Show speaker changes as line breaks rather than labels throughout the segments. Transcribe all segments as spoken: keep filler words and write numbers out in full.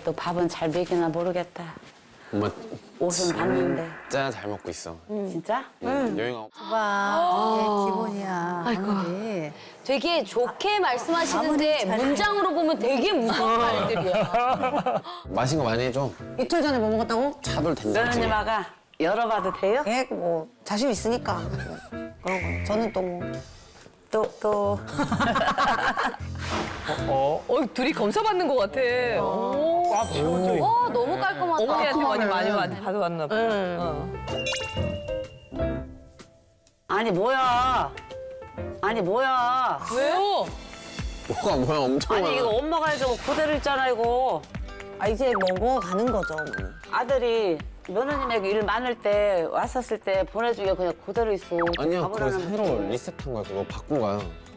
아들 또 밥은 잘 먹이나 모르겠다.
엄마
옷은 봤는데.
진짜 잘 먹고 있어.
진짜?
응. 여행하고.
봐, 이게 기본이야. 아이고.
되게 좋게 말씀하시는데 문장으로 보면 되게 무서운 말들이야.
맛있는 거 많이 해줘.
이틀 전에 뭐 먹었다고?
차돌 된장찌개.
며느님 아가 열어봐도 돼요?
예, 뭐 자신 있으니까. 그런 거. 저는 또 뭐.
또, 또.
어, 둘이 검사받는 것 같아. 오.
와 너무 깔끔하다.
어머니한테 많이 많이 많이 받아왔나 봐. 어.
아니, 뭐야. 아니, 뭐야.
왜요?
뭐가 뭐야 엄청 많아.
아니, 이거 엄마가 해주고 그대로 있잖아, 이거.
아, 이제 먹어가는 거죠, 어머니.
아들이 며느님에게 일 많을 때 왔었을 때 보내주기가 그냥 그대로 있어.
아니야
밥을
그거
안 하면
새로 리셋한 거야. 그거 바꾼 거야.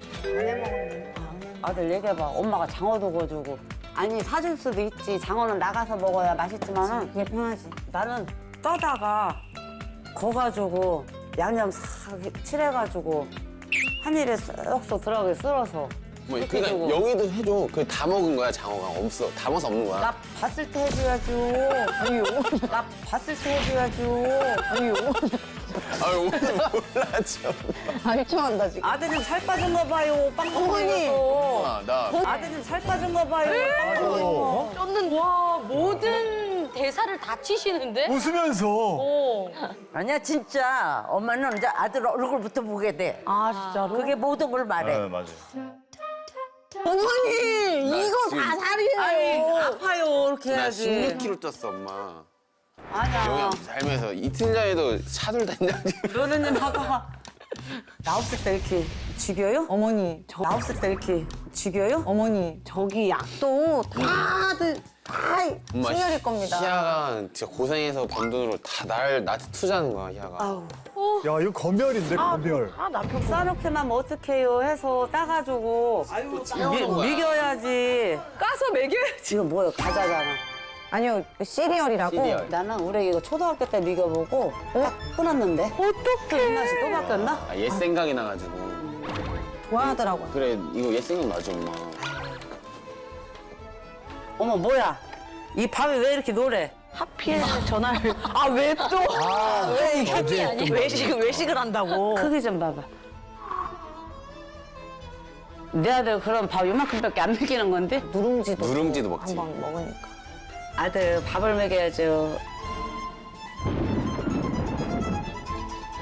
아들 얘기해봐. 엄마가 장어도 구워주고. 아니 사줄 수도 있지. 장어는 나가서 먹어야 맛있지만은
그게 편하지.
나는 떠다가 거가지고 양념 싹 칠해가지고 한 입에 쏙쏙 들어가게 쓸어서.
뭐
그렇게
그러니까
해주고.
여기도 해줘. 그 다 먹은 거야 장어가 없어. 다 먹어서 없는 거야.
나 봤을 때 해줘야죠. 아니요. 나 봤을 때 해줘야죠. 아니요.
아유 오늘 몰라죠.
아, 유치원한다, 지금.
아드님 살 빠진 거 봐요. 빵빵해서.
아, 나
아드님 살 빠진 거 봐요. 빵빵해서.
쫓는 와 모든 대사를 다 치시는데?
웃으면서.
어.
아니야 진짜 엄마는 이제 아들 얼굴부터 보게 돼.
아 진짜로?
그게 모든 걸 말해.
네, 맞아.
어머니, 이거
지금-
다 살이에요.
아니 아파요 이렇게
나
해야지.
십육 킬로그램 쪘어 엄마.
아니야.
영양 살면서 이틀 전에도 차돌 된장찌개.
며느님 아까 나 없을 때 이렇게 죽여요?
어머니,
저, 나 없을 때 이렇게 죽여요?
어머니, 저기 약도 다들 다
엄마
친절일 겁니다.
희아가 진짜 고생해서 번 돈으로 다 날 나한테 투자하는 거야 희아가.
아우
야, 이거 검열인데, 검열.
아 남편 싸놓게만 하면 어떡해요 해서 따가지고 미, 미겨야지.
까서 먹여야지.
이거 뭐예요? 과자잖아.
아니요, 그 시리얼이라고.
시리얼.
나는 우리 이거 초등학교 때 미겨보고 딱 끊었는데. 어떡해. 입맛이 또 바뀌었나?
아, 옛 생각이 나가지고.
좋아하더라고요.
그래 이거 옛 생각 나지 엄마.
어머 뭐야? 이 밥이 왜 이렇게 노래?
하필 전화를.
아, 왜 또?
왜 이게 아니 외식을 외식을 한다고.
크기 좀 봐봐. 내 아들 그럼 밥 요만큼밖에 안 먹이는 건데?
누룽지도.
누룽지도 먹지.
한번 먹으니까.
아들 밥을 먹여야죠.